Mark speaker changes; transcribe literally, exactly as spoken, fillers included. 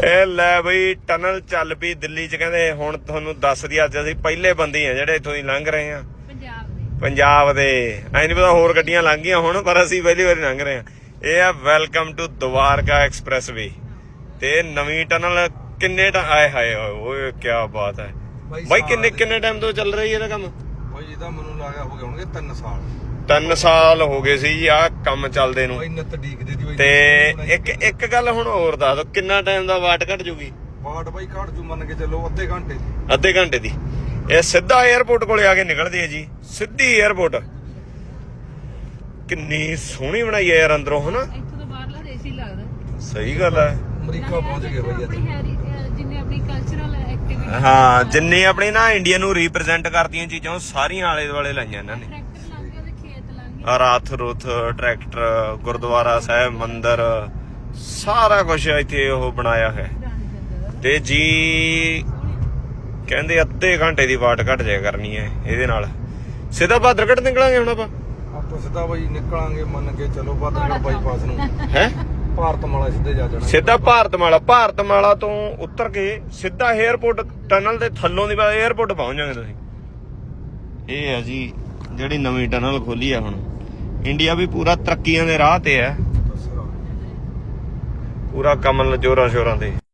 Speaker 1: ਇਹ ਲੈ ਬਈ ਟਨਲ ਚੱਲ ਪਈ ਦਿੱਲੀ ਚ। ਕਹਿੰਦੇ ਹੁਣ ਤੁਹਾਨੂੰ ਦੱਸ ਦਈਏ ਅੱਜ ਅਸੀਂ ਪਹਿਲੇ ਬੰਦੇ ਆ ਜਿਹੜੇ ਇੱਥੋਂ ਦੀ ਲੰਘ ਰਹੇ ਆ ਪੰਜਾਬ ਦੇ। ਐ ਨਹੀਂ ਪਤਾ ਹੋਰ ਗੱਡੀਆਂ ਲੰਘ ਗਈਆਂ ਹੁਣ, ਪਰ ਅਸੀਂ ਪਹਿਲੀ ਵਾਰੀ ਲੰਘ ਰਹੇ ਆ। ਇਹ ਆ welcome to Dwarka expressway ਤੇ ਨਵੀਂ ਟਨਲ। ਕਿੰਨੇ ਆਏ ਹਾਏ ਓਏ ਕਿਆ ਬਾਤ ਹੈ ਬਾਈ। ਕਿੰਨੇ ਕਿੰਨੇ ਟਾਈਮ ਤੋਂ ਚੱਲ ਰਹੀ ਇਹਦਾ ਕੰਮ?
Speaker 2: ਬਾਈ ਇਹਦਾ ਮੈਨੂੰ ਲੱਗਿਆ ਹੋ ਗਏ ਹੋਣਗੇ ਤਿੰਨ ਸਾਲ।
Speaker 1: ਤਿੰਨ ਸਾਲ ਹੋ ਗਏ ਸੀ ਜੀ ਆਹ ਕੰਮ ਚੱਲਦੇ ਨੂੰ। ਤੇ ਇੱਕ ਇੱਕ ਗੱਲ ਹੁਣ ਹੋਰ ਦੱਸ ਦੋ, ਕਿੰਨਾ ਟਾਈਮ ਦਾ ਵਾਟ ਘਟ ਜੂਗੀ?
Speaker 2: ਵਾਟ ਬਾਈ ਘਟ ਜੂ ਮੰਨ ਕੇ ਚੱਲੋ ਅੱਧੇ ਘੰਟੇ ਦੀ।
Speaker 1: ਅੱਧੇ ਘੰਟੇ ਦੀ। ਇਹ ਸਿੱਧਾ 에ਅਰਪੋਰਟ ਕੋਲੇ ਆ ਕੇ ਨਿਕਲਦੀ ਹੈ ਜੀ, ਸਿੱਧੀ 에ਅਰਪੋਰਟ। ਕਿੰਨੀ ਸੋਹਣੀ ਬਣਾਈ ਹੈ ਯਾਰ ਅੰਦਰੋਂ, ਹਨਾ?
Speaker 3: ਇੱਥੋਂ ਤੋਂ ਬਾਹਰਲਾ ਦੇਸ਼ ਹੀ ਲੱਗਦਾ।
Speaker 1: ਸਹੀ ਗੱਲ ਹੈ।
Speaker 2: ਅਮਰੀਕਾ ਪਹੁੰਚ ਗਏ ਬਾਈ ਅੱਜ।
Speaker 3: ਜਿੰਨੇ ਆਪਣੀ ਕਲਚਰਲ ਐਕਟੀਵਿਟੀ,
Speaker 1: ਹਾਂ ਜਿੰਨੀ ਆਪਣੀ ਨਾ ਇੰਡੀਆ ਨੂੰ ਰਿਪਰੈਜ਼ੈਂਟ ਕਰਦੀਆਂ ਚੀਜ਼ਾਂ ਉਹ ਸਾਰੀਆਂ ਆਲੇ ਦੁਆਲੇ ਲਾਈਆਂ ਇਹਨਾਂ ਨੇ।
Speaker 3: ਟਰੈਕਟਰ ਲੰਘ ਗਏ, ਖੇਤ ਲੰਘ ਗਏ,
Speaker 1: ਰਾਥ ਰੁਥ, ਟਰੈਕਟਰ, ਗੁਰਦੁਆਰਾ ਸਾਹਿਬ, ਮੰਦਿਰ, ਸਾਰਾ ਕੁਝ ਇੱਥੇ ਉਹ ਬਣਾਇਆ ਹੈ। ਤੇ ਜੀ ਕਹਿੰਦੇ ਅੱਧੇ ਘੰਟੇ ਦੀ ਵਾਟ ਘਟ ਜਾਇਆ ਕਰਨੀ ਹੈ ਇਹਦੇ ਨਾਲ। ਸਿੱਧਾ ਬਹਾਦਰਗੜ੍ਹ ਨਿਕਲਾਂਗੇ ਹੁਣ ਆਪਾਂ।
Speaker 2: ਆਪਾਂ ਸਿੱਧਾ ਬਾਈ ਨਿਕਲਾਂਗੇ ਮੰਨ ਕੇ ਚਲੋ ਬਹਾਦਰਗੜ੍ਹ ਬਾਈਪਾਸ ਨੂੰ।
Speaker 1: ਹੈ
Speaker 2: ਭਾਰਤਮਾਲਾ ਸਿੱਧੇ ਜਾ ਜਾਣਾ।
Speaker 1: ਸਿੱਧਾ ਭਾਰਤਮਾਲਾ। ਭਾਰਤਮਾਲਾ ਤੋਂ ਉਤਰ ਕੇ ਸਿੱਧਾ 에ਅਰਪੋਰਟ, ਟਨਲ ਦੇ ਥੱਲੋਂ ਦੀ ਬਾਅਦ 에ਅਰਪੋਰਟ ਪਹੁੰਚ ਜਾਓਗੇ ਤੁਸੀਂ। ਇਹ ਹੈ ਜੀ ਜਿਹੜੀ ਨਵੀਂ ਟਨਲ ਖੋਲੀ ਆ ਹੁਣ। ਇੰਡੀਆ ਵੀ ਪੂਰਾ ਤਰੱਕੀਆਂ ਦੇ ਰਾਹ ਤੇ ਹੈ, ਪੂਰਾ ਕਮਲ ਜੋਰਾਂ ਸ਼ੋਰਾਂ ਤੇ।